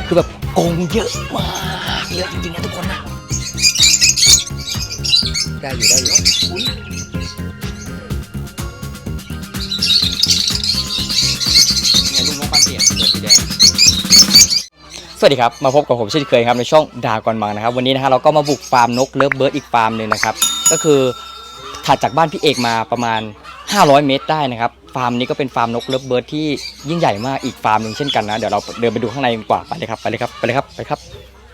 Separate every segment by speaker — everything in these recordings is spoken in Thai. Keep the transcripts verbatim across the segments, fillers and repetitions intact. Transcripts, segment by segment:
Speaker 1: คือแบบโกงเยอะมากเยอะจริงๆนะทุกคนนะได้อยู่ได้อยู่เนี่ยลูกนกปันเปียกตัวสีแดงสวัสดีครับมาพบกับผมเช่นเคยครับในช่องดากอนมังนะครับวันนี้นะฮะเราก็มาบุกฟาร์มนกเลิฟเบิร์ดอีกฟาร์มหนึ่งนะครับก็คือถัดจากบ้านพี่เอกมาประมาณห้าร้อยเมตรได้นะครับฟาร์มนี้ก็เป็นฟาร์มนกเลิฟเบิร์ดที่ยิ่งใหญ่มากอีกฟาร์มหนึ่งเช่นกันนะเดี๋ยวเราเดินไปดูข้างในกันกว่าไปเลยครับไปเลยครับไปเลยครับไปครับ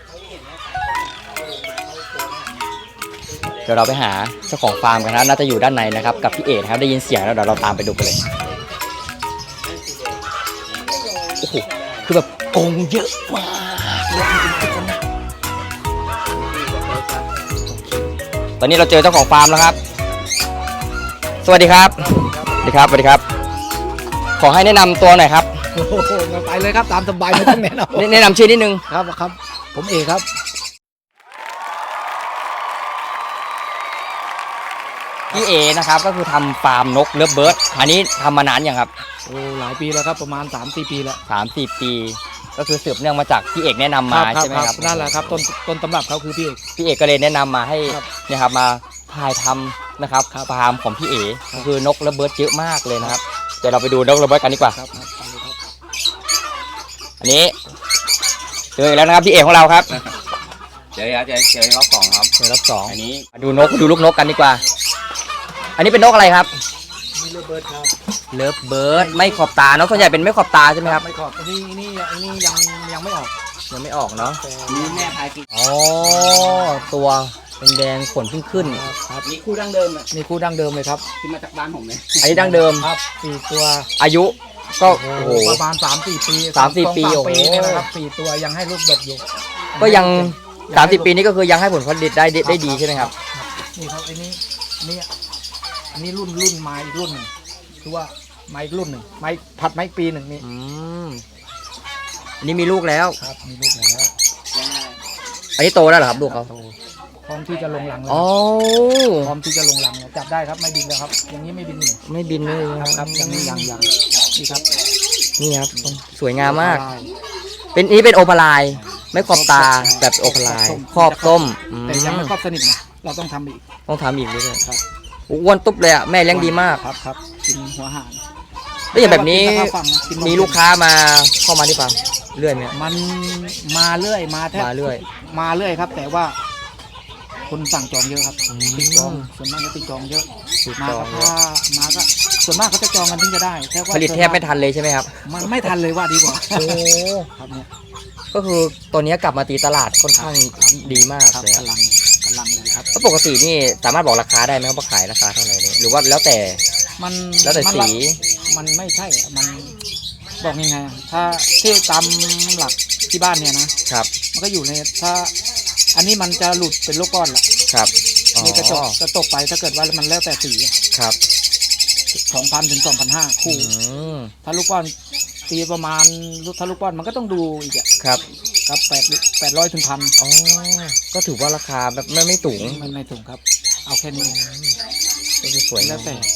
Speaker 1: เดี๋ยวเราไปหาเจ้าของฟาร์มกันนะน่าจะอยู่ด้านในนะครับกับพี่เอกนะครับได้ยินเสียงแล้วเดี๋ยวเราตามไปดูกันเลยโอ้โหคือแบบโกงเยอะมากเยอะจริงๆทุกคนนะตอนนี้เราเจอเจ้าของฟาร์มแล้วครับสวัสดีครับสวัสดีครับสวัสดีครับขอให้แนะนำตัวหน่อยครับ
Speaker 2: โอ้โหไปเลยครับตามสบายไม่ต้องแนะนำ
Speaker 1: แนะนำชื่อนิดนึง
Speaker 2: ครับครับผมเอกครับ
Speaker 1: พี่เอนะครับก็คือทำฟาร์มนกเลิฟเบิร์ดอันนี้ทำมานานยังครับ
Speaker 2: โอ้หลายปีแล้วครับประมาณ สามสี่ ปีแล้ว
Speaker 1: สามสี่ปีก็คือสืบเนื่องมาจากพี่เอกแนะนำมาใช่ไหมครับ
Speaker 2: นั่นแหละครับต้นต้นตำรับเขาคือพี่เอก
Speaker 1: พี่เอกก็เลยแนะนำมาให้เนี่ยครับมาถ่ายทำนะครับฟาร์มของพี่เอก็คือนกเลิฟเบิร์ดเยอะมากเลยนะครับเดี๋ยวเราไปดูนกเลิฟเบิร์ดกันดีกว่าอันนี้เจอแล้วนะครับพี่เอกของเราครับ
Speaker 3: เจอเจอเจอรอบสองครับ
Speaker 1: เจอรอบสอง
Speaker 3: อันนี้
Speaker 1: ดูนกดูลูกนกกันดีกว่าอันนี้เป็นนกอะไรครับ
Speaker 2: เลิฟเบิร์ดครับ
Speaker 1: เลิฟเบิร์ดไม่ขอบตาเนาะส่วนใหญ่เป็นไม่ขอบตาใช่ไหมครับ
Speaker 2: ไม่ขอบนี่นี่นี่ยังยังไม่ออก
Speaker 1: ยังไม่ออกเนาะ
Speaker 3: นี่แม่พายกิน
Speaker 1: อ๋อตัวเป็นแดงขนขึ้นขึ้น
Speaker 2: ครับ
Speaker 3: นี่คู่ดั้งเดิมอ่ะ
Speaker 2: นี่คู่ดั้งเดิมเลยครับ
Speaker 3: ที่มาจากบ้านผมเลย
Speaker 1: อันนี้ดั้งเดิม
Speaker 2: ครับสี่ตัว
Speaker 1: อายุก็โอ้โห
Speaker 2: ประมาณสามสี่ปี
Speaker 1: สามสี่ปีโอ้โห
Speaker 2: นะครับสี่ตัวยังให้ลูกดกอยู่
Speaker 1: ก็ยังสามสิบปีนี้ก็คือยังให้ผลผลิตได้ได้ดีใช่ไหมครับ
Speaker 2: นี่ครับอันนี้นี่อันนี้รุ่นรุ่นไม้อีกรุ่นหนึ่งคือว่าไม้รุ่นหนึ่งไม้ผัดไม้ปีหนึ่งนี่
Speaker 1: อันนี้มีลูกแล้ว
Speaker 2: ครับมีลูกแล้ว
Speaker 1: อันนี้โตแล้วเหรอครับลูกเขา
Speaker 2: พร้อมที่จะลงหลังแล้ว
Speaker 1: อ๋อ
Speaker 2: พร้อมที่จะลงหลังแล้วจับได้ครับไม่บินแล้วครับอย่างนี้ไม่บินหนี
Speaker 1: ไม่บินเลย
Speaker 2: ครับอย่างนี้ยังยังนี่ครับ
Speaker 1: นี่ครับสวยงามมากเป็นนี้เป็นโอปลายไม่ขอบตาแบบโอปลายครอบส้ม
Speaker 2: แต่ยังไม่ครอบสนิทนะเราต้องทำอีก
Speaker 1: ต้องทำอีกด้วยครับอ้วนตุ๊บเลยอ่ะแม่เลี้ยงดีมาก
Speaker 2: ครับครับกินหัวหาง
Speaker 1: แล้วอย่างแบบนี้มีลูกค้ามาเข้ามาที่ฟาร์มเรื่อยไหม
Speaker 2: มันมาเรื่อยมาแทบ
Speaker 1: มาเรื่อย
Speaker 2: มาเรื่อยครับแต่ว่าคนสั่งจองเยอะครับติดจองส่วนมากจะติดจองเยอะมาก็ถ้ามาก็ส่วนมากเขาจะจองกันถึงจะได้
Speaker 1: ผลิตแทบไม่ทันเลยใช่ไหมครับ
Speaker 2: มันไม่ทันเลยว่าดีกว่า
Speaker 1: โอ้
Speaker 2: ครับเนี่ย
Speaker 1: ก็คือตัวนี้กลับมาตีตลาดค่อนข้างดีมาก
Speaker 2: เลยกำลังกำลังเลยครับ
Speaker 1: แล้วปกตินี่สามารถบอกราคาได้ไหมครับว่าขายราคาเท่าไหร่หรือว่าแล้วแต่
Speaker 2: มัน
Speaker 1: แล้วแต่สี
Speaker 2: มันไม่ใช่มันบอกยังไงถ้าที่ตามหลักที่บ้านเนี่ยนะครับมันก็อยู่ในถ้าอันนี้มันจะหลุดเป็นลูกก้อนละ
Speaker 1: ครับ
Speaker 2: นี่จะจบจะตกไปถ้าเกิดว่ามันแล้วแต่สี
Speaker 1: ครับ
Speaker 2: สองพันถึงสองพันห้าคู่ถ้าลูกก้อนตีประมาณถ้าลูกก้อนมันก็ต้องดูอีกอ่ะ
Speaker 1: ครับ
Speaker 2: ครับแปดแปดร้อยถึงพัน
Speaker 1: อ๋อก็ถือว่าราคาแบบไม่ไม่สูง
Speaker 2: ไม่ไม่สูงครับเอาแค่นี้
Speaker 1: ก็คือสวย
Speaker 2: แล้วแต่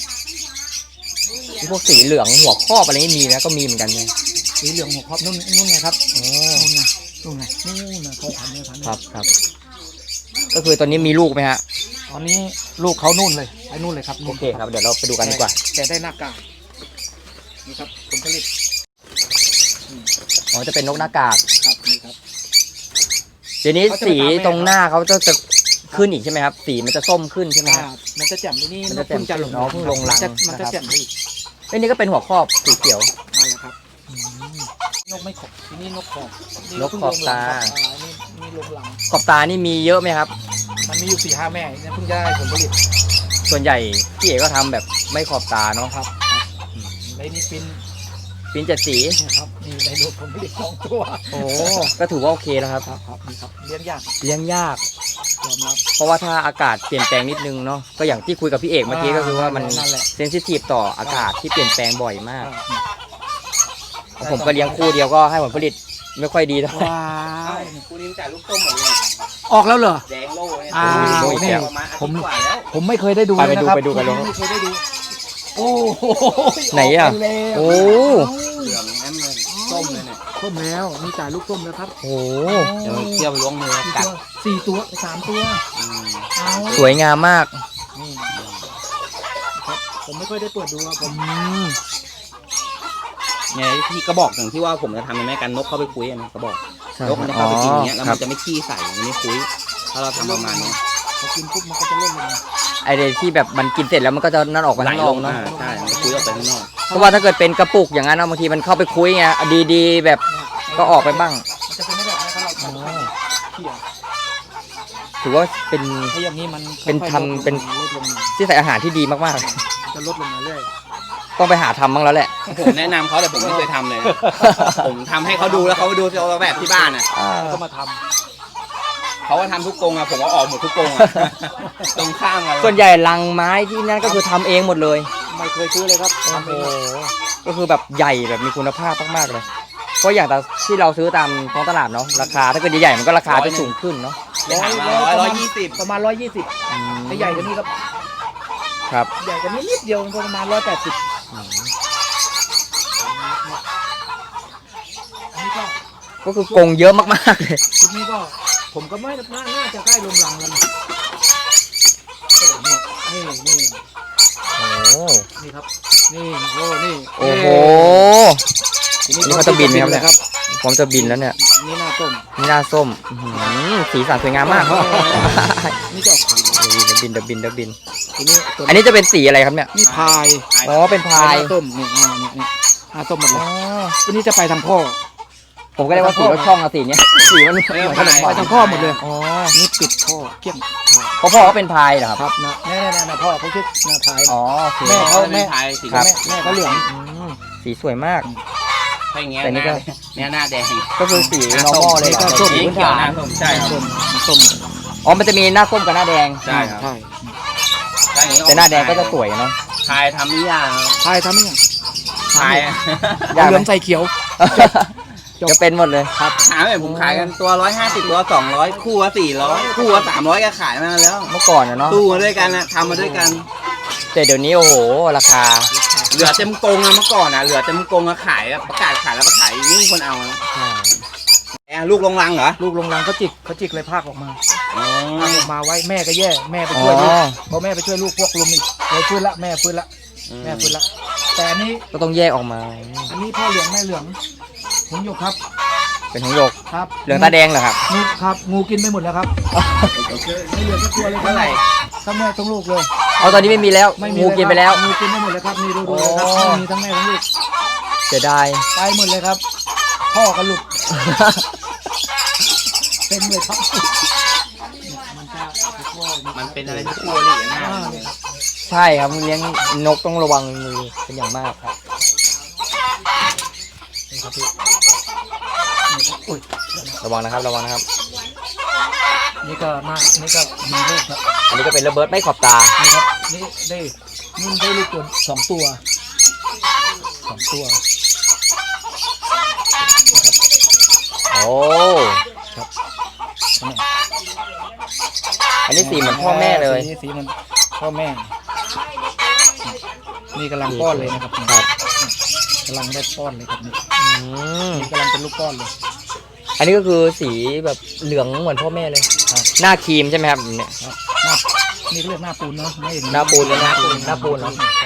Speaker 1: พวกสีเหลืองหัวครอบอะไรนี่มีนะก็มีเหมือนกันไง
Speaker 2: สีเหลืองหัวครอบนุ่นนุ่นไงครับอ๋อนุ่นไงนุ่นไงนุ่นนะเขาพันเนี่ยพัน
Speaker 1: ครับครับก็คือตอนนี้มีลูกไหมฮะ
Speaker 2: ตอนนี้ลูกเขานุ่นเลยไปนุ่นเลยครับ
Speaker 1: โอเคครับเดี๋ยวเราไปดูกันดีกว่า
Speaker 2: แต่ได้หน้ากากนี่ครับผลผลิต
Speaker 1: อ๋อจะเป็นนกหน้ากาก
Speaker 2: ครับนี่ครับ
Speaker 1: เดี๋ยวนี้สีตรงหน้าเขาจะจะขึ้นอีกใช่ไหมครับสีมันจะส้มขึ้นใช่ไหมครับ
Speaker 2: มันจะแจ่มนี่
Speaker 1: มันจะแจ่มจะลงน้องเพิ่งลงรัง
Speaker 2: มันจะแจ่มอีก
Speaker 1: ไอ้นี่ก็เป็นหัวครอบสีเขียว
Speaker 2: นั่นแหละครับนกไม่ขอบนี่นกขอบ
Speaker 1: นกขอบตา
Speaker 2: นี่ลงหลัง
Speaker 1: ขอบตานี่มีเยอะไหมครับ
Speaker 2: มันมีอยู่สี่ห้าแม่เนี่ยเพิ่งได้ผลผลิต
Speaker 1: ส่วนใหญ่พี่เอกก็ทำแบบไม่ขอบตาเนาะ
Speaker 2: ครับในนี่ฟิน
Speaker 1: ฟินเจ็ดสี
Speaker 2: ครับนี่ได้ลูกผลผลิตสองตัว
Speaker 1: โอ้ก็ถือว่าโอเคแล้วครับ
Speaker 2: ครับครับนี่ครับเลี้ยงยาก
Speaker 1: เลี้ยงยาก
Speaker 2: ยอมรับ
Speaker 1: เพราะว่าถ้าอากาศเปลี่ยนแปลงนิดนึงเนาะก็อย่างที่คุยกับพี่เอกเมื่อกี้ก็คือว่ามันเซนซิทีฟต่ออากาศที่เปลี่ยนแปลงบ่อยมากผมก็เลี้ยงคู่เดียวก็ให้ผลผลิตไม่ค่อยดีเท่าไหร่
Speaker 3: คู่นี้จ่ายลูกต้มหมดเลย
Speaker 2: ออกแล้วเหรอ
Speaker 3: แดงโล่เนี่ย
Speaker 2: อ่านี่ผมผมไม่เคยได้ดู
Speaker 1: ไปดูไปดูกันเลย
Speaker 2: ไม่เคยได้ดูโอ้
Speaker 1: ไหนอ่ะโอ้
Speaker 3: เหลืองแอมเลยต้มเลยเนี่ย
Speaker 2: ต้มแล้วมีจ่ายลูกต้มแล้วครับ
Speaker 1: โอ้
Speaker 3: เดี๋ยวเคี่ยวไปล้วงมือ
Speaker 2: กี่
Speaker 3: กั
Speaker 2: ตั
Speaker 3: ด
Speaker 2: วสี่ตัวสามตัว
Speaker 3: อืม
Speaker 2: เอา
Speaker 1: สวยงามมาก
Speaker 2: นี่ครับผมไม่ค่อยได้เปิดดูครับผม
Speaker 1: อืม
Speaker 3: เนี่ยที่กระบอกอย่างที่ว่าผมจะทำเป็นแม่กันนกเข้าไปคุยอะนะกระบอก
Speaker 1: ใช่
Speaker 3: นกมันจะเข้าไปกินอย่างเงี้ยแล้ว
Speaker 1: ครั
Speaker 3: มั
Speaker 1: บ
Speaker 3: นจะไม่ขี้ใส่มันไม่คุยถ้าเราทำประมาณเนี้ย
Speaker 2: พอกินปุ๊บมันก็จะเล่นเลย
Speaker 1: ไอเดียที่แบบมันกินเสร็จแล้วมันก็จะนั่นออกไปข้างนอกเนาะ
Speaker 3: อ่ใช่มันจะคุยออกไปข้างนอก
Speaker 1: เพราะว่าถ้าเกิดเป็นกระปุกอย่างนั้นนะบางทีมันเข้าไปคุยไงดีๆ แบบก็ออกไปบ้าง
Speaker 2: มันจะเป็นไม่แบบนี้ถ้าเราทำเขี่ย
Speaker 1: ถือว่าเป็น
Speaker 2: ถ้าอย่างนี้มัน
Speaker 1: เป็น
Speaker 2: ค่อยๆ
Speaker 1: ทำเป็น
Speaker 2: ลดลงมา
Speaker 1: ที่ใส่อาหารที่ดีมาก
Speaker 2: จะลดลงมาเรื่อย
Speaker 1: ๆ ต้องไปหาทำบ้างแล้วแหละ
Speaker 3: ผมแนะนำเขาแต่ผมไม่เคยทำเลย นะผมทำให้เขาดูแล้วเขาดูเอาแบบที่บ้านอ่ะ
Speaker 2: ก็มาท
Speaker 3: เขาก็ทำทุกกรงอ่ะผมก็ออกหมดทุกกรงอ่ะ ตรงข้ามกัน
Speaker 1: ส่วนใหญ่ลังไม้ที่นั่นก็คือทำเองหมดเลย
Speaker 2: ำไม่เคยซื้อเลยครับ
Speaker 1: โอ้
Speaker 2: ทำ
Speaker 1: โห
Speaker 2: เอง
Speaker 1: ก็คือแบบใหญ่แบบมีคุณภาพมากๆเลย เพราะอย่างแต่ที่เราซื้อตามท้องตลาดเนาะราคาถ้าเกิดใหญ่ๆมันก็ราคาจะสูงขึ้นเนาะ
Speaker 3: ไปหามาร้อยร้อยยี่สิบ
Speaker 2: ประมาณร้อยยี่สิบ
Speaker 1: อืม
Speaker 2: ถ้าใหญ่กว่านี้ครับ
Speaker 1: ครับ
Speaker 2: ใหญ่กว่านี้นิดเดียวประมาณร้อยแปดสิบอันนี้ก็
Speaker 1: ก็คือกรงเยอะมากๆเลย
Speaker 2: ชุดนี้ก็ผมก็ไม่น่าน่าจะใกล้ลงรังแล้วนะโอ้นี่นี่นี่
Speaker 1: โอ้
Speaker 2: นี่ครับ นี่โอ้นี่
Speaker 1: โอ้โห
Speaker 2: ที
Speaker 1: นี่เขาจะบินไหมครับเนี่ย
Speaker 2: ครับ
Speaker 1: พร้อมจะบินแล้วเนี่ย
Speaker 2: นี่หน้าต้ม
Speaker 1: นี่หน้าส้มอื้อหือสีสันสวยงามมาก
Speaker 2: นี่จะออกขาว
Speaker 1: เดี๋ยวบินเดี๋ยวบินเดี๋ยวบิน
Speaker 2: ทีนี้ตัว
Speaker 1: อันนี้จะเป็นสีอะไรครับเนี่ย
Speaker 2: นี่พาย
Speaker 1: อ๋อเป็นพาย
Speaker 2: หน้าต้มนี่อ่านี่นี่หน้าต้มหมดเล
Speaker 1: อ๋
Speaker 2: ย
Speaker 1: อ
Speaker 2: ตัวนี้จะไปทางพ่อ
Speaker 1: ผมก็เรียกว่าสีรถช่องอะสีเนี้ยสีมันเหมือนขนม
Speaker 2: ไป
Speaker 1: ปัง
Speaker 2: ทางพ่อหมดเลย
Speaker 1: อ๋อ
Speaker 2: นี่ปิดพ่อเกี้ยงพาย
Speaker 1: เพราะพ่อเขาเป็นพายเหรอครับ
Speaker 2: ครับนะแน่แน่แน่พ่อเขาชื่อหน้าพาย
Speaker 1: อ๋อโอเค
Speaker 2: แม่เขาแม่
Speaker 3: ไทยสี
Speaker 1: ครับ
Speaker 2: แม่แม่เขาเหลือง
Speaker 1: อืมสีสวยมาก
Speaker 3: ถ้าอย่างเงี้ย
Speaker 1: แต่นี่ก็
Speaker 3: เนี่ยหน้าแดง
Speaker 1: ก็คือสี normal เลยเหรอ
Speaker 2: ก็ส้ม
Speaker 3: สีเขียวหน้าส้มใช่ครับ
Speaker 2: ส้มส้ม
Speaker 1: อ๋อมันจะมีหน้าส้มกับหน้าแดง
Speaker 3: ใช่ครับ
Speaker 2: ใช่
Speaker 3: ถ้าอย่างงี้
Speaker 1: แต่หน้าแดงก็จะสวยเนาะ
Speaker 3: ไทยทำนิยาม
Speaker 2: พายทำนี่
Speaker 3: ไทย
Speaker 1: ยากไหม
Speaker 2: เหลืองใส่เขียว จบ
Speaker 1: จะเป็นหมดเลย
Speaker 2: ครับ
Speaker 3: ถามเลยผมขายกันตัวร้อยห้าสิบตัวสองร้อยคู่ละสี่ร้อยคู่ละสามร้อยก็ขายมาแล้ว
Speaker 1: เมื่อก่อนอะเนาะ
Speaker 3: ตู้มาด้วยกันนะทำมาด้วยกัน
Speaker 1: แต่เดี๋ยวนี้โอ้โหราคา
Speaker 3: เหลือเต็มกรงอะเมื่อก่อนอะเหลือเต็มกรงอะขายอะประกาศขายแล้วก็ขายไม่มีคนเอาอะแอะลูกลงรังเหรอ
Speaker 2: ลูกลงรังเขาจิกเขาจิกเลยภาคออกมา
Speaker 3: อ๋อ
Speaker 2: ภาคออกมาไว้แม่ก็แย่แม่ไป
Speaker 1: อ๋
Speaker 2: ช่วยลูก
Speaker 1: อ
Speaker 2: พอแม่ไปช่วยลูกพวกลุมอีกเลยฟื้นละแม่ฟื้นละแม่ฟื้นละแต่อันนี้
Speaker 1: ก็ต้องแยกออกมา
Speaker 2: อันนี้พ่อเหลืองแม่เหลืองผมอยู่ครับ
Speaker 1: เป็นหงส์หยก
Speaker 2: ครับ
Speaker 1: เหลืองตาแดงเหรอครับ
Speaker 2: งูครับงูกินไปหมดแล้วครับไม่เหลือสักตัวเลย
Speaker 3: เท่าไหร่
Speaker 2: ทั้งแม่ทั้งลูกเลย
Speaker 1: เอาตอนนี้ไม่มีแล้ว
Speaker 2: ไม่มี
Speaker 1: งูกินไปแล้ว
Speaker 2: งูกินไปหมดเลยครับมีดูดูเลยครับ
Speaker 1: โอ้
Speaker 2: ไม่มีทั้งแม่ทั้งลูก
Speaker 1: เสียดาย
Speaker 2: ไปหมดเลยครับ พ่อก็หลุดเต็มเลยครับมันจะพ่อ
Speaker 3: มันเป็นอะไรที่กลัวหลีนะ
Speaker 2: อ่าเนี่ยครับ
Speaker 1: ใช่ครับเลี้ยงนกต้องระวังมือเป็นอย่างมากครับ
Speaker 2: นี่ครับพี่นี่ครับอุ้ย
Speaker 1: ระวังนะครับระวังนะครับ
Speaker 2: นี่ก็มานี่ก็มีลูกครับ
Speaker 1: อันนี้ก็เป็นระเบิดไม่ขอบตา
Speaker 2: นี่ครับนี่ได้นี่ได้ลูกตัวสองตัวสองตัว
Speaker 1: โอ้
Speaker 2: ครับ
Speaker 1: อันนี้สีเหมือนพ่อแม่เลย
Speaker 2: สีสีมันพ่อแม่ นี่กำลังป้อนเลยนะครับ
Speaker 1: ครับ
Speaker 2: กำลังได้ป้อนเลยครับนี่
Speaker 1: อืม
Speaker 2: นี่กำลังเป็นลูกป้อนเลย
Speaker 1: อันนี้ก็คือสีแบบเหลืองเหมือนพ่อแม่เลย
Speaker 2: ครับ
Speaker 1: หน้าครีมใช่ไหมครับเนี่ย
Speaker 2: ครับหน้านี่เขาเรียกหน้าปูนเนาะไม่
Speaker 1: หน้าปูนเลยหน้าปูนหน้าปูนเหรอ
Speaker 3: ใช่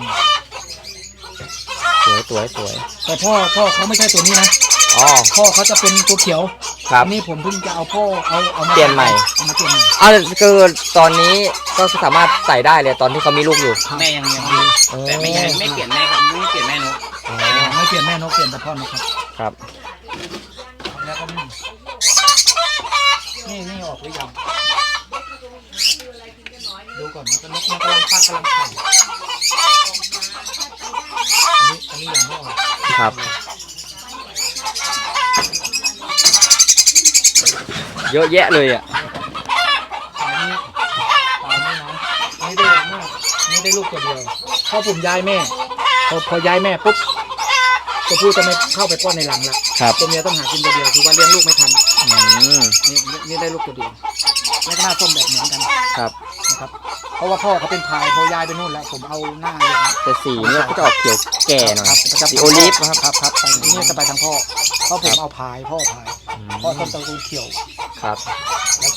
Speaker 1: สวยสวยสวย
Speaker 2: แต่พ่อพ่อเขาไม่ใช่ตัวนี้นะ
Speaker 1: อ๋อ
Speaker 2: พ่อเขาจะเป็นตัวเขียว
Speaker 1: ครับ
Speaker 2: อันนี้ผมเพิ่งจะเอาพ่อเอาเอามา
Speaker 1: เปลี่ยนใหม่
Speaker 2: เอามาเปลี่ยนใหม่
Speaker 1: อ่าคือตอนนี้ก็สามารถใส่ได้เลยตอนที่เขามีลูกอยู่
Speaker 3: แม่ยังยังดีแต่ไม่ยังไม่เปลี่ยนแม่ครับไม่เปลี่ยนแม่นก
Speaker 1: อ๋อ
Speaker 2: ไม่เปลี่ยนแม่นกเปลี่ยนแต่พ่อนกครับ
Speaker 1: ครับ
Speaker 2: แล้วก็นี่นี่นี่ออกหรือยังดูก่อนมันก็นกมันกำลังฟักกำลังไข่อันนี้อันนี้ยังไม่ออก
Speaker 1: ครับ เยอะแยะเลยอ่ะ
Speaker 2: อันนี้อันนี้นะอันนี้ได้มากอันนี้ได้ลูกตัวเดียวพอผมย้ายแม่พอพอย้ายแม่ปุ๊บตัวผู้จะไม่เข้าไปป้อนในหลังละ
Speaker 1: ครับ
Speaker 2: ตัวเมียต้องหากินตัวเดียวคือว่าเลี้ยงลูกไม่ทัน
Speaker 1: อืม
Speaker 2: นี่นี่ได้ลูกตัวเดียวแล้วก็หน้าส้มแบบเหมือนกัน
Speaker 1: ครับ
Speaker 2: นะครับราะว่าพ่อเขาเป็นพายพอยายไปนู่นแล้วผมเอาหน้าเลยครับ
Speaker 1: แต่สีเนี่ยก็จะออกเขียวแก่หน่อย
Speaker 2: ครับจะ
Speaker 1: สีโอลิฟนะครับ
Speaker 2: ครับครับไปนี่จะไปทางพ่อเพราะผมเอาพายพ่อพายพ่อต้นตระกูลเขียว
Speaker 1: ครับ
Speaker 2: แล้วก็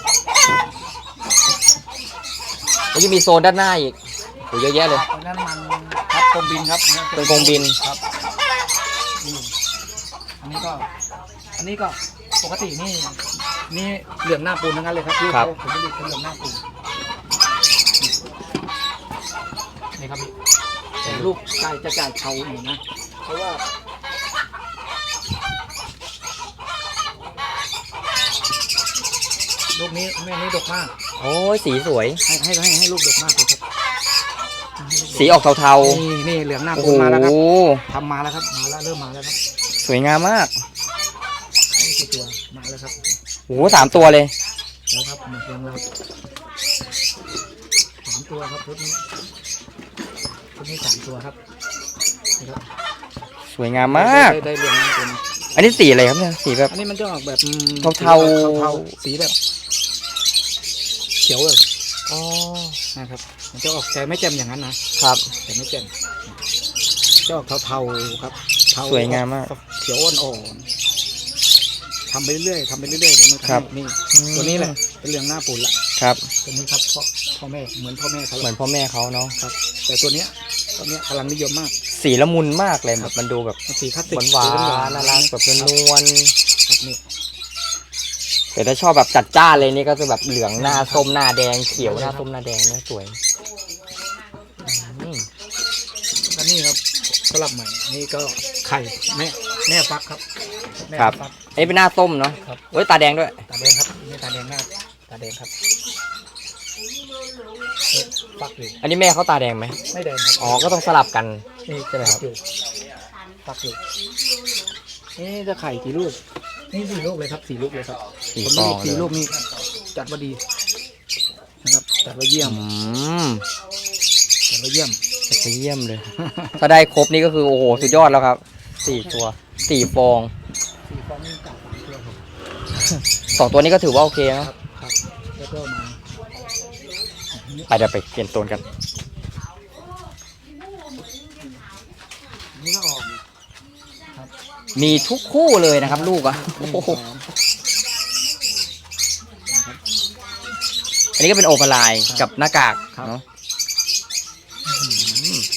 Speaker 1: แล้วยังมีโซนด้านหน้าอีกโหเยอะแยะเลย
Speaker 2: ตอนนั้นมันครับกรมบินครับ
Speaker 1: เป็นกรงบิน
Speaker 2: ครับนี่อันนี้ก็อันนี้ก็ปกตินี่นี่เหลืองหน้าปูนทั้งนั้นเลยครับที่เขาผมไม่ได้เป็นเหลืองหน้าปูนนี่ครับพี่แต่ลูกไก่จะจ่ายเขาหน่อยนะเพราะว่าลูกนี้แม่นี้ดกมาก
Speaker 1: โอ้ยสีสวย
Speaker 2: ให้ให้ให้ให้ลูกดกมากเลยครับ
Speaker 1: สีออกเทา
Speaker 2: นี่นี่เหลืองหน้า
Speaker 1: ๆโอ้
Speaker 2: ปู
Speaker 1: โห
Speaker 2: นมาแล้วครับทำมาแล้วครับมาแล้วเริ่มมาแล้วครับ
Speaker 1: สวยงามมาก
Speaker 2: นี่คือตัวมาแล้วครับ
Speaker 1: โอ้โหสามตัวเลย
Speaker 2: แล้วครับหมดยังแล้วสามตัวครับชุดนี้ชุดนี้สามตัวครับนะครับ
Speaker 1: สวยงามมาก
Speaker 2: ได้ได้เหลืองหน้าปูน
Speaker 1: อันนี้สีอะไรครับเนี่ยสีแบบ
Speaker 2: อันนี้มันจะออกแบบอืม
Speaker 1: เทาๆ
Speaker 2: เทาๆสีแบบเขียวเลย
Speaker 1: อ๋อ
Speaker 2: นะครับมันจะออกแต่ไม่แจ่มอย่างนั้นนะครับ แต่ไม่แจ่มจะออกเทาๆครับเทา
Speaker 1: สวยงามมาก
Speaker 2: เขียวอ่อนๆทำไปเรื่อยๆทำไปเรื่อยๆเดี๋ยวมัน
Speaker 1: ครับ
Speaker 2: นี่ตัวนี้แหละเป็นเหลืองหน้าปูนละ
Speaker 1: ครับ
Speaker 2: ตัวนี้ครับพ่อพ่อแม่เหมือนพ่อแม่เขา
Speaker 1: เหมือนพ่อแม่เขาเนาะ
Speaker 2: ครับ แต่ตัวเนี้ยตัวเนี้ยกำลังนิยมมาก
Speaker 1: สีละมุนมากเลยแบบมันดูแบบ
Speaker 2: มันสีคลาสสิก
Speaker 1: หวานหวาน
Speaker 2: สี
Speaker 1: น่ารักแบบนวล
Speaker 2: ครับนี่
Speaker 1: ๆแต่ถ้าชอบแบบจัดจ้านเลยนี่ก็จะแบบเหลืองหน้าส้มหน้าแดงเขียวหน้าส้มหน้าแดงเนี่ยสวยอืม
Speaker 2: แล้วนี่ครับสลับใหม่นี่ก็ไข่แม่แม่ฟักครับแม่
Speaker 1: ครับ
Speaker 2: ฟัก
Speaker 1: อันนี้เป็นหน้าส้มเนาะ
Speaker 2: ครับ
Speaker 1: เฮ้ยตาแดงด้วย
Speaker 2: ตาแดงครับนี่ตาแดงหน้าตาแดงครับเอ๊ะฟักอยู่
Speaker 1: อันนี้แม่เขาตาแดงไหม
Speaker 2: ไม่แดงครับ
Speaker 1: อ๋อก็ต้องสลับกัน
Speaker 2: นี่
Speaker 1: ใช่ไหมครับ
Speaker 2: ฟักอยู่ฟักอยู่นี่จะไข่กี่ลูกนี่สี่ลูกเลยครับสี่ลูกเลยครับ
Speaker 1: สี่
Speaker 2: ผม
Speaker 1: ฟ
Speaker 2: ไม่
Speaker 1: อง
Speaker 2: มีสี่
Speaker 1: เลย
Speaker 2: ลูกนี่จัดว่าดีนะครับจัดว่าเยี่ยม
Speaker 1: อืม
Speaker 2: จัดว่าเยี่ยม
Speaker 1: จะไปเยี่ยมเลย ถ้าได้ครบนี่ก็คือโอ้โหสุดยอดแล้วครับสี่ตัวสี่ฟอง
Speaker 2: สี่ฟองนี่จัดสามตัวครับ
Speaker 1: สองตัวนี้ก็ถือว่าโอเค
Speaker 2: ค
Speaker 1: นะ
Speaker 2: รับครับแล้วก็มา
Speaker 1: ไปเดี๋ยวไปเปลี่ยนโซนกัน
Speaker 2: นี่ก็ออก
Speaker 1: มีทุกคู่เลยนะครับ ลูกอ่ะ
Speaker 2: หนึ่ง
Speaker 1: โอ้โห
Speaker 2: สอง
Speaker 1: อันนี้ก็เป็นโอเปอร์ไลน์กับหน้ากาก
Speaker 2: ครับ
Speaker 1: เนาะอื้อหือ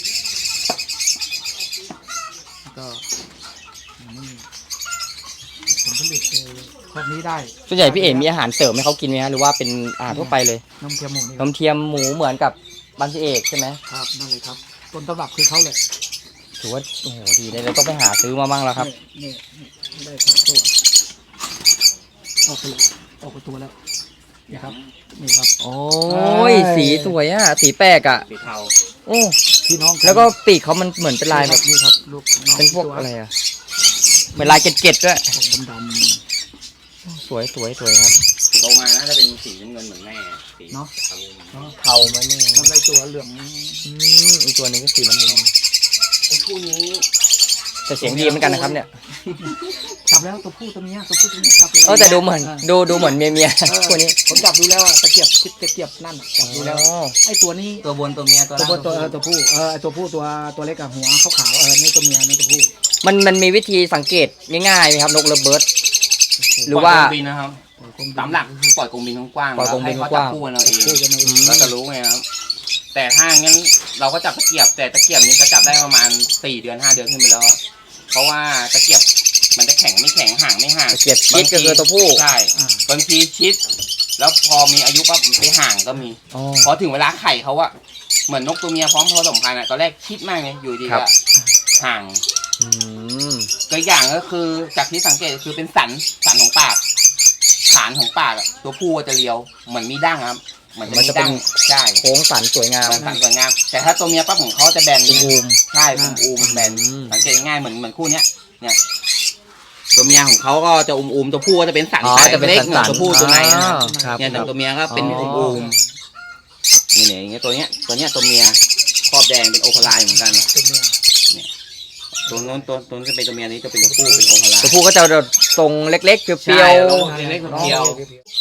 Speaker 2: แล้วก็นี่ผลผลิตคือครอบนี้ได้
Speaker 1: ส่วนใหญ่พี่เอ๋มีอาหารเสริมให้เขากินไหมฮะหรือว่าเป็นอาหารทั่วไปเลย
Speaker 2: นมเทียมหมูนี่
Speaker 1: นมเทียมหมูเหมือนกับบ้านพี่เอกใช่ไหม
Speaker 2: ครับนั่นเลยครับต้นตำรับคือเขาเลย
Speaker 1: ถือว่าโอ้โหดีเลยเราต้องไปหาซื้อมามั่งแล้วครับ
Speaker 2: นี่นี่ได้ครับตัวออกไปเลยออกไปตัวแล้วนี่ครับนี่ครับ
Speaker 1: โอ้ยสีสวยอ่ะสีแปลกอ่ะ
Speaker 3: สีเทา
Speaker 1: โอ้
Speaker 2: พี่น้องน
Speaker 1: แล้วก็ปีกเขามันเหมือนเป็นลายแบบ
Speaker 2: นี่ครับลูกน้อง
Speaker 1: เป็นพวก
Speaker 2: ตัว
Speaker 1: อะไรอ่ะเหมือนลายเกล็ดๆด้วย
Speaker 2: ออกดำ
Speaker 1: สวยสวยสวยครับ
Speaker 3: โตมาน่าจะเป็นสีน้ำเงินเหมือนแม่สี
Speaker 2: เนาะ
Speaker 3: เทา
Speaker 2: ๆเนาะ
Speaker 1: เทาไหมนี่
Speaker 2: ทำไรตัวเหลือง
Speaker 1: อืมอีกตัวหนึงก็สีน้ำเงิน
Speaker 3: ไอ้คู่นี้
Speaker 1: แต่เสียงดีเหมือนกันนะครับเนี่ย
Speaker 2: จับแล้วตัวผู้ตัวเมียตัวผู้ตัวเมียจับเลย
Speaker 1: เออแต่ดูเหมือนดูดูเหมือนเมียเมีย
Speaker 2: เออ
Speaker 1: ตัวนี้
Speaker 2: ผมจับดูแล้วอะตะเกียบคิดตะเกียบนั่นอะจับดูแล้ว
Speaker 1: อ๋อ
Speaker 2: ไอ้ตัวนี้
Speaker 3: ตัวบนตัวเมียตัว
Speaker 2: ตัว
Speaker 3: ล่าง
Speaker 2: ตัวเออตัวผู้เออไอ้ตัวผู้ตัวตัวเล็กกับหัวขาวๆเออนี่ตัวเมียนี่ตัวผู้
Speaker 1: มันมันมีวิธีสังเกตง่ายๆไหมครับนกเลิฟเบิร์ด หรือว่า
Speaker 3: ปล่ยกรงบินนะครับตามหลักก็คือปล่อยกรงบินกว้างๆ
Speaker 1: ปล่อยกรงบิน
Speaker 3: แล้วให้เขา
Speaker 1: ก
Speaker 3: จับ
Speaker 1: ว้าง
Speaker 3: คู่กันเอาเอง
Speaker 2: คู่กันเอาเอง
Speaker 3: เราจะรู้ไงครับ แต่ถ้างั้นเราก็จับตะเกียบ แต่ตะเกียบนี้ก็จับได้ประมาณสี่เดือนห้าเดือนขึ้นไปแล้ว เพราะว่าตะเกียบมันจะแข็งไม่แข็งห่างไม่ห่าง
Speaker 1: เกียรติชิดก็คือตัวผู้
Speaker 3: ใช่
Speaker 2: อ่า
Speaker 3: บางทีชิด แล้วพอมีอายุปั๊บไปห่างก็มี
Speaker 1: อ๋อ
Speaker 3: พอถึงเวลาไข่เขาอะเหมือนนกตัวเมียพร้อมผสมพันธุ์อะตอนแรกชิดมากเลยอยู่ดี
Speaker 1: ครั
Speaker 3: ก็
Speaker 1: บ
Speaker 3: ห่าง
Speaker 1: อืม
Speaker 3: ตัวอย่างก็คือจากที่สังเกตก็คือเป็นสันสันของปากฐานของปากอะตัวผู้จะเรียวเหมือนมีดั้งครับเหมือน
Speaker 1: มันจะเป็น
Speaker 3: ดั้งใช่
Speaker 1: โค้งสันสวยงาม
Speaker 3: สันสวยงามแต่ถ้าตัวเมียปั๊บของเขาจะแบน
Speaker 1: เป็นอูม
Speaker 3: ใช่เป็นอูมแบน
Speaker 1: อืม
Speaker 3: สังเกตง่ายเหมือนเหมือนคู่เนี้ยเนี่ยตัวเมียของเขาก็จะอุ้มๆตัวผู้ก็จะเป็นสัน
Speaker 1: อ๋อจะเป็น
Speaker 3: เล็ก
Speaker 1: สัน
Speaker 3: เหมือน
Speaker 1: ๆ
Speaker 3: ตัวผู้ตัวในนะครับ
Speaker 1: อ๋อครับ
Speaker 3: เนี่ยแต่ตัวเมียก็เป็น
Speaker 1: อ๋อ
Speaker 3: อุ้มๆนี่เนี่ยอย่างเงี้ยตัวเนี้ยตัวเนี้ยตัวเมียครอบแดงเป็นโอคาไลเหมือนกัน
Speaker 2: ตัวเมีย
Speaker 3: ตัวโน้นตัวตัวนู้นจะเป็นตัวเมียนี้จะเป็นตัวผู้เป็นโอคาไล
Speaker 1: ตัวผู้ก็จะทรงเล็กๆเปรี้
Speaker 3: ใช่
Speaker 1: ยว
Speaker 3: แล้วเล็กๆเดียว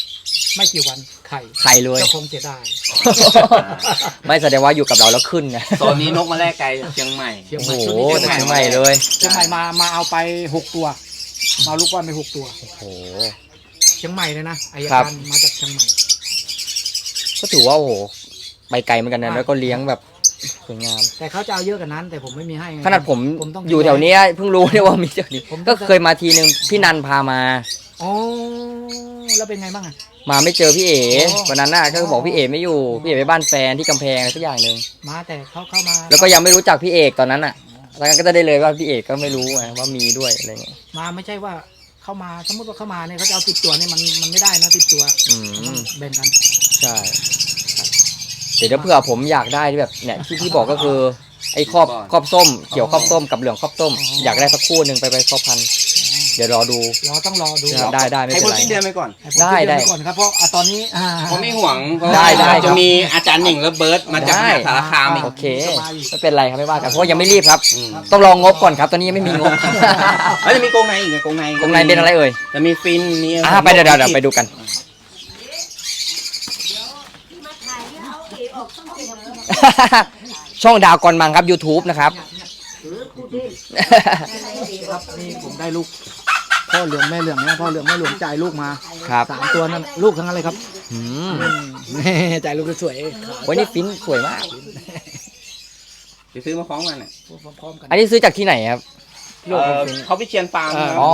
Speaker 2: ไม่กี่วันไข่
Speaker 1: ไข่เลย
Speaker 2: เจ้าคงเสียดาย
Speaker 1: ไม่แสดงว่าอยู่กับเราแล้วขึ้นไง
Speaker 3: โซนนี้นกมาแรกไกลเชียงใหม่
Speaker 2: เชียง
Speaker 1: โอ้
Speaker 2: ใหม่
Speaker 1: โห
Speaker 2: ชุดนี้
Speaker 1: แต่
Speaker 2: เชียงใหม่
Speaker 1: เชียงใหม่เลย
Speaker 2: เชียงใหม่มามาเอาไปหกตัวมาเอาลูกบอลไปหกตัว
Speaker 1: โอ้โห
Speaker 2: เชียงใหม่เลยนะอาย
Speaker 1: ครับ
Speaker 2: การมาจากเชียงใหม่
Speaker 1: ก็ถือว่าโอ้โหไปไกลเหมือนกันนะ
Speaker 2: อ่า
Speaker 1: แล้วก็เลี้ยงแบบสวยงาม
Speaker 2: แต่เขาจะเอาเยอะกว่านั้น แต่ผมไม่มีให้ไง
Speaker 1: ขนาดผม
Speaker 2: ผมต้อง
Speaker 1: อยู่แถวเนี้ยเพิ่งรู้เนี่ยว่ามีเจ้านี้
Speaker 2: ผมต้
Speaker 1: ก็
Speaker 2: อง
Speaker 1: เคยมาทีนึงพี่นันพามา
Speaker 2: อ๋อแล้วเป็นไงบ้างอ่ะ
Speaker 1: มาไม่เจอพี่เอ๋
Speaker 2: อ๋อ
Speaker 1: วันนั้นน่ะก็บอกพี่เอ๋ไม่อยู่พี่เอ๋ไปบ้านแฟนที่กำแพงอะไรสักอย่างหนึ่ง
Speaker 2: มาแต่เขาเข้ามา
Speaker 1: แล้วก็ยังไม่รู้จักพี่เอกตอนนั้นอ่ะแล้วก็จะได้เลยว่าพี่เอกก็ไม่รู้ไงว่ามีด้วยอะไรเงี้ย
Speaker 2: มาไม่ใช่ว่าเข้ามาสมมติว่าเข้ามาเนี่ยเขาจะเอาติดตัวเนี่ยมันมันไม่ได้นะติดตัว
Speaker 1: อืม
Speaker 2: แบ่งกัน
Speaker 1: ใช่เดี๋ยวถ้าเผื่อผมอยากได้ที่แบบเนี่ยที่ที่บอกก็คือไอ้ครอบครอบส้มเกี่ยวครอบส้มกับเหลืองครอบส้ม อยากได้สักคู่หนึ่งไปไปครอบพันธุ์เดี๋ยวรอดู
Speaker 2: รอต้องรอดู
Speaker 1: ครับ ได้ได้ไม่
Speaker 3: ให้
Speaker 1: เป็น
Speaker 3: พ้น
Speaker 1: ไร
Speaker 3: สิ้นเดือนไปก่อน
Speaker 2: ให้ผม
Speaker 1: ได้
Speaker 2: คิ
Speaker 1: ได้
Speaker 2: ว้ก่อนครับเพราะอ่ะตอนนี้อ่า
Speaker 3: เขาไม่ห่วงเพราะ
Speaker 1: ได้
Speaker 3: ว่า
Speaker 1: ได้
Speaker 3: จะมีอาจารย์หนิงและเบิร์ตมาจากมหาสารคามอีก
Speaker 1: โอเคไม่เป็นไรครับไม่ว่ากันเพราะว่ายังไม่รีบครับ
Speaker 3: อืม
Speaker 1: ต้องรองงบก่อนครับตอนนี้ยังไม่มีงบ
Speaker 3: แล้วจะมีกรงในอีกไงกรงใน
Speaker 1: ตรงไหนเป็นอะไรเอ่ย
Speaker 3: จะมีฟินมี
Speaker 1: อ่าไปเดี๋ยวเดี๋ยวเดี๋ยวไปดูกัน ช่องดาวกอนมังครับ YouTube นะครับ
Speaker 2: ครับนี่ผมได้ลูกพ่อเหลืองแม่เหลืองเนี่ยพ่อเหลืองแม่เหลืองจ่ายลูกมา
Speaker 1: ครับ
Speaker 2: สามตัวนั่นลูกทั้งนั้นเลยครับ
Speaker 1: อืม
Speaker 2: อืมจ่ายลูกสวย
Speaker 1: โอ้ยนี่ฟินสวยมาก
Speaker 3: ไปซื้อมาคล้องกันอ่ะ
Speaker 2: พร้อมๆกัน
Speaker 1: อันนี้ซื้อจากที่ไหนครับ
Speaker 3: เอ่อเขาพิเชียนฟาร์มนะ
Speaker 1: อ๋อ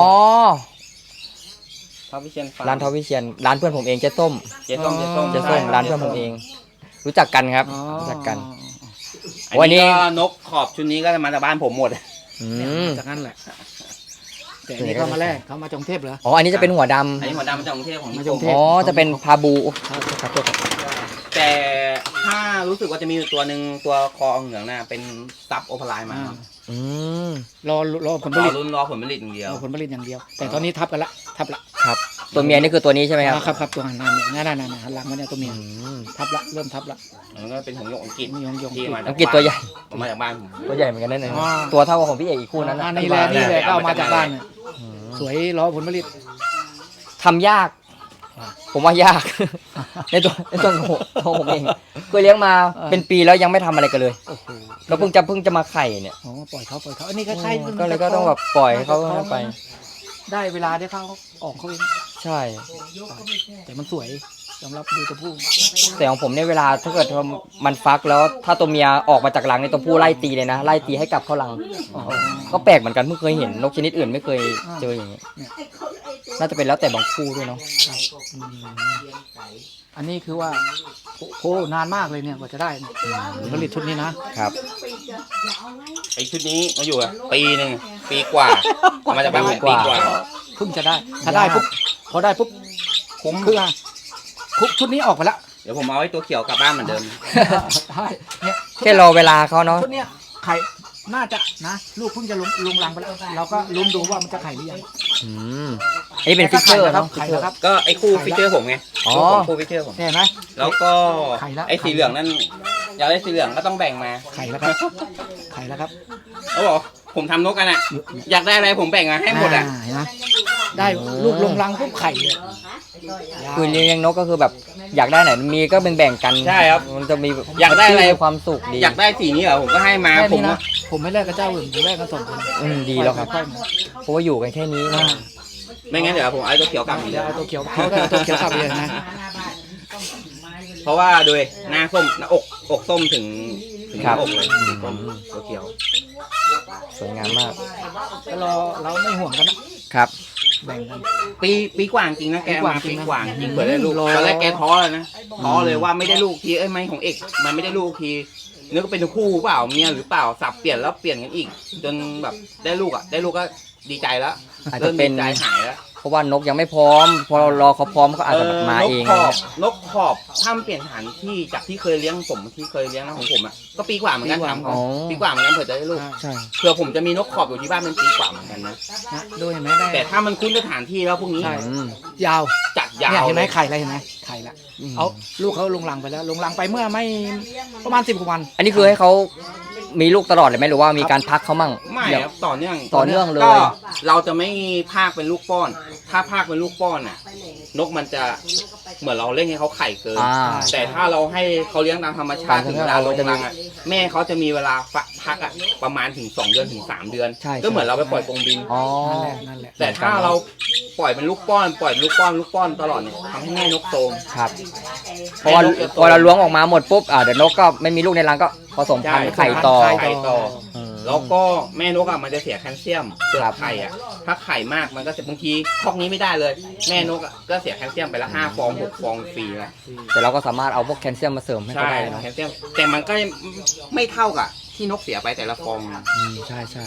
Speaker 3: เขาพิเชียนฟาร์ม
Speaker 1: ร้านทอวิเชียนร้านเพื่อนผมเองเจ๊ส้ม
Speaker 3: เจ๊ส้มเจ๊ส้ม
Speaker 1: เจ๊ส้มร้านเพื่อนผมเอง รู้จักกันครับ
Speaker 2: อ๋อ
Speaker 1: รู้จักกัน
Speaker 3: อัน
Speaker 1: วันนี้
Speaker 3: นี้ก็นกขอบชุดนี้ก็จะมาจากบ้านผมหมด
Speaker 1: อื
Speaker 2: เนี่ย
Speaker 1: ม
Speaker 2: จากนั้นแหละ แต่อันนี่เขามาแรกเขามาจากกรุงเทพเหรอ
Speaker 1: อ๋ออันนี้จะเป็นหัวด
Speaker 3: อันนี้หัวดำมาจากกรุงเทพของ
Speaker 2: มา
Speaker 3: นิ
Speaker 2: จาก
Speaker 3: ค
Speaker 2: กรุ
Speaker 3: ม
Speaker 2: งเทพ
Speaker 1: ำอ๋อจะเป็นพาบูครับครับครับ
Speaker 3: แต่ถ้ารู้สึกว่าจะมีอยู่ตัวหนึ่งตัวคอเหลืองน่ะเป็นซับโอเปอร์ไลน์มา
Speaker 2: อ่า
Speaker 1: อืม
Speaker 2: รอรอผลผ
Speaker 3: รอ
Speaker 2: ลิต
Speaker 3: รุ่นรอผลผลิตอย่างเดียว
Speaker 2: รอผลผลิตอย่างเดียว แต่ตอนนี้ทับกันละทับละ
Speaker 1: ครับตัวเมียนี่คือตัวนี้ใช่ไหมครับ
Speaker 2: อ่าครับครับตัวหันหน้าเนี่ยนั่นนั่นนั่นหันหลังมาเนี่ยตัวเมีย
Speaker 1: อืม
Speaker 2: ทับละเริ่มทับละ
Speaker 3: มันก็เป็นของหยกอังกฤษ
Speaker 2: มียงยง
Speaker 3: ที่มา
Speaker 1: อังกฤษตัวใหญ่
Speaker 3: มาจากบ้านผม
Speaker 1: ตัวใหญ่เหมือนกันนั่นเอง
Speaker 2: อ๋อ
Speaker 1: ตัวเท่ากับของพี่เอกอีกคู่นั้น
Speaker 2: อั
Speaker 1: นะ
Speaker 2: นนี้แหละนี่แหละก็เอามาจากบ้านเนี่ย
Speaker 1: อืม
Speaker 2: สวยรอผลผลิต
Speaker 1: ทำยาก ผมว่ายาก ในตัวในตัวของผมตัวผมเองเคยเลี้ยงมาเป็นปีแล้วยังไม่ทำอะไรกันเลย
Speaker 2: โอ้โห
Speaker 1: แล้วเพิ่งจะเพิ่งจะมาไข่เนี่ย
Speaker 2: อ๋อปล่อยเขาปล่อยเขาอันนี้ก็ใช่
Speaker 1: ก็เลยก็ต้องแบบปล่อยให้เขาไป
Speaker 2: ได้เวลาได้เขาออกเขาเอง
Speaker 1: ใช่
Speaker 2: แต่มันสวยสำหรับดูตัวผู้
Speaker 1: แต่ของผมเนี่ยเวลาถ้าเกิดว่ามันฟักแล้วถ้าตัวเมียออกมาจากรังในยตัวผู้ไล่ตีเลยนะไล่ตีให้กลับเข้ารัง
Speaker 2: อ๋อ
Speaker 1: ก็แปลกเหมือนกันเพิ่งเคยเห็นนกชนิดอื่นไม่เคยเจออย่างนี้น่าจะเป็นแล้วแต่บางคู่ด้วยเนาะ
Speaker 2: อืมอันนี้คือว่าโอ้โหนานมากเลยเนี่ยกว่าจะได้เนี่ยผลผลิตชุดนี้นะครับ
Speaker 3: ไอชุดนี้มาอยู่อะปีหนึ่งปีกว่าเอามาจากบ้านผมปีกว่า
Speaker 2: เพิ่งจะได้ ถ้าได้ปุ๊บพอได้ปุ๊บ
Speaker 3: คุ้ม
Speaker 2: คืออ่ะคุกชุดนี้ออกไปละ
Speaker 3: เดี๋ยวผมเอาไอ้ตัวเขียวกลับบ้านเหมือนเดิม
Speaker 2: ได้เนี่ย
Speaker 1: แค่รอเวลาเขาเนาะ
Speaker 2: ชุดเนี้ยไข่น่าจะนะ ลูกเพิ่งจะลงลงรังไปแล้วเราก็ลุ้นดูว่ามันจะไข่หรือยัง
Speaker 1: อืมอันนี้เป็นฟิชเชอร์
Speaker 2: ครั
Speaker 1: เนาะ
Speaker 2: ไข่แล้วครับ
Speaker 3: ก็ไอ้คู่ฟิชเชอร์ผมไง
Speaker 1: อ๋อ
Speaker 3: ลูกของคู่ฟิชเชอร์ผม
Speaker 2: เห็นไหม
Speaker 3: แล้วก็
Speaker 2: ไข่ละ
Speaker 3: ไอ้สีเหลืองนั่นอยากได้สีเหลืองก็ต้องแบ่งมา
Speaker 2: ไข่แล้วครับไข่แล้วครับ
Speaker 3: เขาบอกผมทำนกกันอ่ะ อยากได้อะไรผมแบ่งมาให้หมดอ่ะ
Speaker 2: าเห็นไหมได้ลูกลงรังปุ๊บไข่เลย
Speaker 1: คือเลี้ยงนกก็คือแบบอยากได้ไหนมีก็แบ่งๆกัน
Speaker 3: ใช่ครับ
Speaker 1: มันจะมี
Speaker 3: อยากได้อะไร
Speaker 1: มีความสุขดี
Speaker 3: อยากได้สีนี้เหรอผมก็ให้มา
Speaker 2: แค่
Speaker 3: ผม
Speaker 2: นี้นะ
Speaker 3: ว่า
Speaker 2: ผมไม่แลกกับเจ้าอื่นผมแลกกับสองคน
Speaker 1: อืมดีแล้วครับ
Speaker 2: ค่อยๆมา
Speaker 1: เพราะว่าอยู่กันแค่นี้นะ
Speaker 3: ไม่งั้นเดี๋ยวผมเอาไอ้ตัวเขียวกลับอีก
Speaker 2: เดี๋ยวเอาตัวเขียวเขาก็เอาตัวเขียวกลับไปเลยนะ
Speaker 3: เพราะว่าโดยหน้าส้มหน้าอกอกส้มถึงถึงหน้าอกเลยสีส้มตัวเขียว
Speaker 1: สวยงามมาก
Speaker 2: ก็รอเราไม่ห่วงกันนะครับ แบ่งกัน
Speaker 3: ปีปีกว่าจริงนะแก
Speaker 2: ปีกว่า
Speaker 3: มา
Speaker 2: จริ
Speaker 3: ปี
Speaker 2: งนะ
Speaker 3: กว่าจริงเปิดได้ลูก
Speaker 2: รอ
Speaker 3: ตอนแรกแกท้อเลยนะท้อเลยว่าไม่ได้ลูกทีเอ้ยไม่ของเอกมันไม่ได้ลูกทีนึกว่าเป็นคู่เปล่าเมียหรือเปล่าสับเปลี่ยนแล้วเปลี่ยนกันอีก จนแบบได้ลูกอ่ะได้ลูกก็ดีใจแล้ว
Speaker 1: อาจจะ
Speaker 3: เริ่ม
Speaker 1: เป็น
Speaker 3: ดีใจหายแล้ว
Speaker 1: เพราะว่านกยังไม่พร้อม พอเรารอเขาพร้อมเขาอาจจะแบบมาเอง
Speaker 3: นกขอบนกขอบถ้ามันเปลี่ยนสถานที่จากที่เคยเลี้ยงผมที่เคยเลี้ยงนะของผมอ่ะก็ปีกว่าเหมือนกันทำ
Speaker 1: อ๋อ
Speaker 3: ปีกว่าเหมือนกันเผื่อจะได้ลูก
Speaker 1: ใช่
Speaker 3: เผื่อผมจะมีนกขอบอยู่ที่บ้านเป็นปีกว่าเหมือนกันนะ
Speaker 2: นะดูเห็นไหมได้
Speaker 3: แต่ถ้ามันคุ้นสถานที่แล้วพวกนี้
Speaker 2: ใช่
Speaker 1: อืม
Speaker 2: ยาว
Speaker 3: จัดยา
Speaker 2: เนี่ยว เห็นไห
Speaker 3: เล
Speaker 2: ม
Speaker 3: ย
Speaker 2: ไข่อะไรเห็นไหมไข่ละเอาลูกเขาลงรังไปแล้ว ลงรังไปเมื่อไม่ประมาณสิบกว่าวัน
Speaker 1: อันนี้คือให้เขามีลูกตลอดเลยไหมหรือว่ามีการพักเขามั่ง
Speaker 3: ไม่
Speaker 1: อย่าง
Speaker 3: ครับต่อเนื่อง
Speaker 1: ต่อเนื่องเลย
Speaker 3: ก็เราจะไม่พากเป็นลูกป้อน ถ้าพากเป็นลูกป้อนน่ะนกมันจะเหมือนเราเล่นให้เขาไข่เกิน
Speaker 1: อ่า
Speaker 3: แต่ถ้าเราให้เขาเลี้ยงตามธรรมชาติ
Speaker 1: ตามธร
Speaker 3: ถึ
Speaker 1: รม
Speaker 3: ง
Speaker 1: ชาติ
Speaker 3: เวลาลง
Speaker 1: จะมี
Speaker 3: รังอ่ะแม่เขาจะมีเวลาพักอ่ะประมาณถึงสองเดือนถึงสามเดือน
Speaker 1: ใช่
Speaker 3: ก็เหมือนเราไปปล่อยกรงบิน
Speaker 1: อ๋อ
Speaker 2: นั่นแหละนั่นแหละ
Speaker 3: แต่ถ้าเราปล่อยเป็นลูกป้อนปล่อยเป็นลูกป้อนลูกป้อนตลอดเนี่ยทำให้แม่นกโตม
Speaker 1: ครับเพราะว่าพอเราล้วงออกมาหมดปุ๊บอ่าเดี๋ยวนกก็ไม่มีลูกในรังก็ผสมพันธุ์ไข่ต่อ
Speaker 3: ไข่ต่อ
Speaker 1: อืม
Speaker 3: แล้วก็แม่นกอ่ะมันจะเสียแคลเซียมเปลือ
Speaker 1: ครั
Speaker 3: ก
Speaker 1: บ
Speaker 3: ไข่อ่ะถ้าไข่มากมันก็จะบางทีคอกนี้ไม่ได้เลย แม่นกอ่ะก็เสียแคลเซียมไปละห้าฟองหกฟองฟรีนะ
Speaker 1: แต่เราก็สามารถเอาพวกแคลเซียมมาเสริมให้เขา
Speaker 3: ใช่
Speaker 1: ได้เนาะ
Speaker 3: แคลเซียมแต่มันก็ไม่เท่ากับที่นกเสียไปแต่ละฟองนะ
Speaker 1: อืมใช่ใช่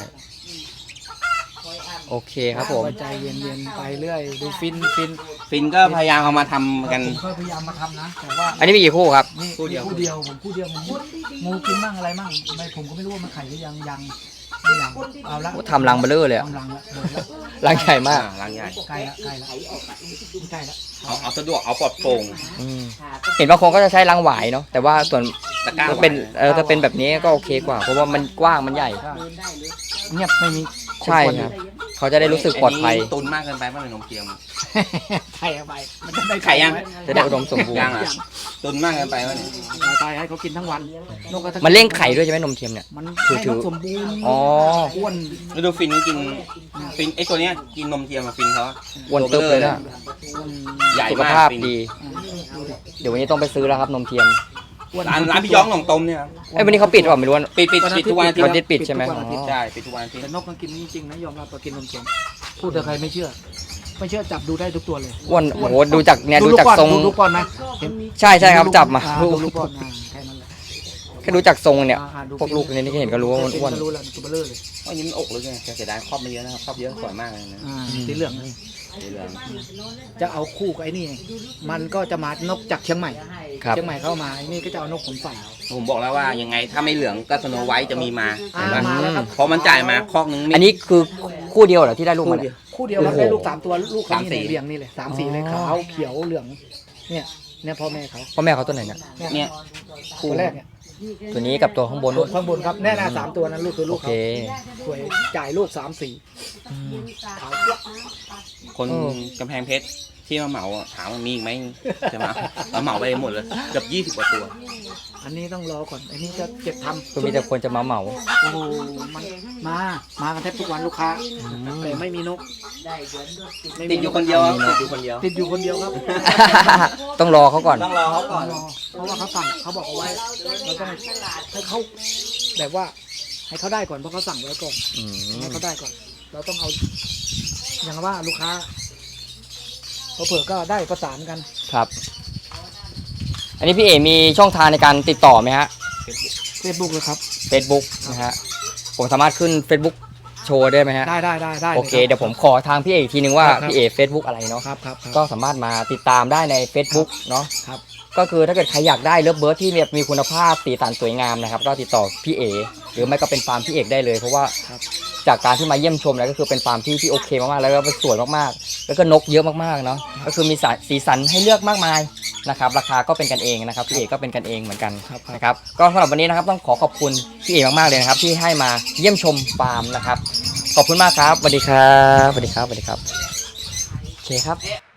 Speaker 1: โอเคครับผม
Speaker 2: ใจเย็นๆไปเรื่อยดูฟินฟิน
Speaker 3: ฟินก็พยายามเอามาทำกัน
Speaker 2: ผมก็พยายามมาทำนะแต่ว่า
Speaker 1: อันนี้มีกี่คู่ครับ
Speaker 2: นี่
Speaker 3: คู่เดียว
Speaker 2: คู่เดียวผมคู่เดียวผมงูกินบ้างอะไรบ้างไม่ผมก็ไม่รู้ว่ามันไข่หรือยังยังไม่ยังเอาละ
Speaker 1: ทำรังเบลอเลยอะ
Speaker 2: ทำรังละเดินละ
Speaker 1: รังใหญ่มาก
Speaker 3: อ่รังใหญ่
Speaker 2: ใกล้ละใกล้ละใกล้ละ
Speaker 3: เอาเอาสะดวกเอาปลอดโปร่ง
Speaker 1: อืมเห็นบางคนก็จะใช้รังหวายเนาะแต่ว่าส่วน
Speaker 3: ตะกร้า
Speaker 1: ถ้าเป็นเออถ้าเป็นแบบนี้ก็โอเคกว่า เพราะว่ามันกว้างมันใหญ่
Speaker 2: เงียบไม่มี
Speaker 1: ใช่ครับเขาจะได้รู้สึกปลอดภัย
Speaker 3: นนี้ตุนมากเกินไปป่ะเลยนมเทียม
Speaker 2: ไข่เอาไปมันจะได้
Speaker 3: ไข่ยัง
Speaker 1: จะได้อุดมสมบูร
Speaker 3: ยั
Speaker 1: ณ์
Speaker 3: งอ่ะตุนมากเกินไปป่ะเนี่ย
Speaker 2: ตายให้เขากินทั้งวันนกกระทะ
Speaker 1: มันเร่งไข่ด้วยใช่ไหมนมเทียมเนี่ย
Speaker 2: มัน
Speaker 1: ถือ
Speaker 2: ให้
Speaker 1: ถื
Speaker 2: น
Speaker 1: อ
Speaker 2: กสมบูรณ์
Speaker 1: อ๋อ
Speaker 2: อ้วน
Speaker 3: แล้วดูฟินก็กินฟินไอตัวเนี้ยกินนมเทียมมาฟินเขา
Speaker 1: อ้วนตึ๊บเลยนะ
Speaker 2: อ้วน
Speaker 3: ใหญ่
Speaker 1: สุข
Speaker 3: มาก
Speaker 1: ภาพ
Speaker 3: ฟิน
Speaker 1: ดี
Speaker 2: ดูดิ
Speaker 1: เดี๋ยววันนี้ต้องไปซื้อแล้วครับนมเทียม
Speaker 2: อ้วน
Speaker 3: ร้านร้านพี่ย้องหนองตมเนี่ยครับ
Speaker 1: ไอ้ยวันนี้เขาปิดหรือเปล่าไม่รู้ว่า
Speaker 3: ปิดปิดปิดทุกวันอาทิตย์
Speaker 1: วันอาทิตย์ปิดใช่ไหม
Speaker 2: ทุกวันอาทิตย์
Speaker 3: ใช่ปิดทุกวันอาทิตย์
Speaker 2: แต่นกมันกินจริงๆนะยอมรับว่ากินนมเทียมพูดแต่ใครไม่เชื่อ ไม่เชื่อจับดูได้ทุกตัวเลย
Speaker 1: อ้วนโอ้โหดูจากเนี่ยดู
Speaker 2: ลู
Speaker 1: จาก
Speaker 2: ก้อน
Speaker 1: ทรง
Speaker 2: ดูลูกก้อนไหมเห็น
Speaker 1: ใช่ใช่ครับจับมา
Speaker 2: อ่
Speaker 1: ลูก
Speaker 2: ดูลูกก้อนอ่าแค่นั้นแหละ
Speaker 1: แค่ดูจากทรงเนี่ย
Speaker 2: อ่าอ่าดู
Speaker 1: พวกลูกในนี้ที่เห็นก็รู้ว่ามันอ้วน
Speaker 2: ก็รู้แล้วตัวเบลอเลย
Speaker 3: อันนี้มันอกเลยไงแต่เสียดายครอบมาเยอะนะครับครอบเยอะสวยมากเลยนะ
Speaker 2: อ่าสีเหลือง
Speaker 3: สีเหลือง
Speaker 2: จะเอาคู่กับไอ้นี่ มันก็จะมานกจากเชียงใหม่
Speaker 1: ครับ
Speaker 2: เชียงใหม่เข้ามาไอ้นี่ก็จะเอานกขนฝั่ง
Speaker 3: ผมบอกแล้วว่ายังไงถ้าไม่เหลืองก็สโนไวท์จะมีมา
Speaker 2: อ่า
Speaker 3: เห็นปะ
Speaker 2: มาแล้วครับ
Speaker 3: เพราะมันจ่ายมาคอกนึงไม่
Speaker 1: อันนี้คือคู่เดียวเหรอที่ได้ลูกมาเนี่ย
Speaker 2: คู่เดียวครับ
Speaker 1: โอ้โห
Speaker 2: ได้ลูกสามตัวลูกเขา
Speaker 3: สามสี
Speaker 2: นี่เรียงนี่เลยสามสีเลย
Speaker 1: อ๋อ
Speaker 2: ขาวเขียวเหลือง เนี่ยเนี่ยพ่อแม่เขา
Speaker 1: พ่อแม่เขาตัวไหนเนี่ย
Speaker 3: เนี่ย
Speaker 2: ตัวแรกเนี่ย
Speaker 1: ตัวนี้กับตัวข้างบน
Speaker 2: ลู
Speaker 1: นู่
Speaker 2: ก
Speaker 1: น
Speaker 2: ข้างบนครับแน่นาสามตัวนั้นลูกคือ
Speaker 1: โอ
Speaker 2: ลูก
Speaker 1: เค
Speaker 2: เขาสวยจ่ายลูกสามสี
Speaker 1: อืม
Speaker 2: ขาว
Speaker 3: คน
Speaker 1: เออ
Speaker 3: กำแพงเพชรที่มาเหมาอะถามว่ามีอีกไหมใช่ไหมเราเหมาไปหมดเลยเกือบยี่สิบกว่าตัว
Speaker 2: อันนี้ต้องรอก่อนอันนี้จะเก็บทำ
Speaker 1: คือมีแต่คนจะมาเหมา
Speaker 2: โอ้โหมันมามากันแทบทุกวันลูกค้าแต่ไม่มีนกไม่มี
Speaker 3: ติดอยู่คนเดียวครับติดอยู่คนเดียว
Speaker 2: ติดอยู่คนเดียวครับ
Speaker 1: ต้องรอเขาก่อน
Speaker 3: ต้องรอเขาก่อน
Speaker 2: รอเพราะว่าเขาสั่งเขาบอกเอาไว้เราต้องให้เขาแบบว่าให้เขาได้ก่อนเพราะเขาสั่งไว้ก่อน
Speaker 1: อืม
Speaker 2: ให้เขาได้ก่อน เราต้องเอาอย่างว่าลูกค้าเผื่อๆก็ได้ประสานกัน
Speaker 1: ครับ อันนี้พี่เอมีช่องทางในการติดต่อไหมฮะ
Speaker 2: เฟซบุ๊กเลยครับ
Speaker 1: Facebook นะฮะ ผมสามารถขึ้น Facebook โชว์ได้ไหมฮะ
Speaker 2: ได้ได้ได้ได้
Speaker 1: โอเค
Speaker 2: ล
Speaker 1: เดี๋ยวผมขอทางพี่เออีกทีนึงว่า
Speaker 2: ครับ
Speaker 1: พี่เอ Facebook อะไรเนาะ
Speaker 2: ครับครับครับ
Speaker 1: ก็สามารถมาติดตามได้ใน Facebook เนาะ
Speaker 2: ครับ
Speaker 1: ก็คือถ้าเกิดใครอยากได้เลิฟเบิร์ดที่แบบมีคุณภาพสีสันสวยงามนะครับ ก็ติดต่อพี่เอหรือไม่ก็เป็นฟาร์มพี่เอกได้เลย เพราะว่า
Speaker 2: ครับ
Speaker 1: จากการที่มาเยี่ยมชมแล้วก็คือเป็นฟาร์มที่ที่โอเคมากๆแล้วก็สวยมากๆ แล้วก็นกเยอะมากๆเนาะก็คือมีสีสันให้เลือกมากมายนะครับราคาก็เป็นกันเองนะครับพี่เอกก็เป็นกันเองเหมือนกัน
Speaker 2: ครับครับ
Speaker 1: นะครับก็สำหรับวันนี้นะครับต้องขอขอบคุณพี่เอกมากๆเลยนะครับที่ให้มาเยี่ยมชมฟาร์มนะครับขอบคุณมากครับสวัสดีครับสวัสดีครับสวัสดีครับโอเคครับ